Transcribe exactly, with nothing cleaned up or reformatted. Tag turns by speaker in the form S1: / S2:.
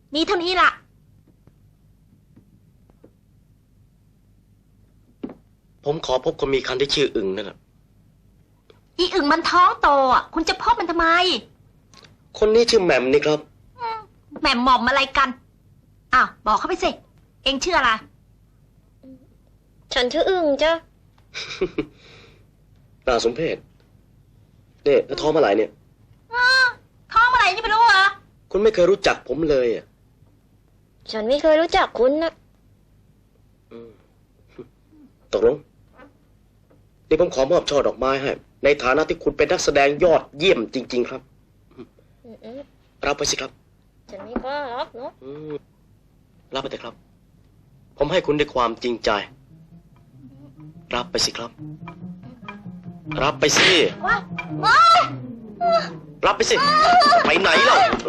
S1: มีเท่านี้ล่ะ
S2: ผมขอพบคนมีคันที่ชื่ออึ่งนั่นแหละ
S1: อีอึ่งมันท้องโตอ่ะคุณจะพบมันทำไม
S2: คนนี้ชื่อแหม่มนี่ครับ
S1: แหม่มหม่อมอะไรกันอ้าวบอกเขาไปสิเอ็งชื่ออะไร
S3: ฉันชื่ออึ่งจ้ะ
S2: น่าสมเพชเนี่ยแล้วท้องเมื่อไหร่เนี่ย
S1: ท้องเมื่อไหร่นี่ไม่รู้เหรอ
S2: คุณไม่เคยรู้จักผมเลยอ่ะ
S3: ฉันไม่เคยรู้จักคุณนะ
S2: ตกลงนี่ผมขอมอบช่อดอกไม้ให้ในฐานะที่คุณเป็นนักแสดงยอดเยี่ยมจริงๆครับรับไปสิครับ
S3: ฉันไม่กล้ารับเนาะ
S2: รับไปเถอะครับผมให้คุณด้วยความจริงใจรับไปสิครับรับไปสิรับไปสิไปไหนเล่า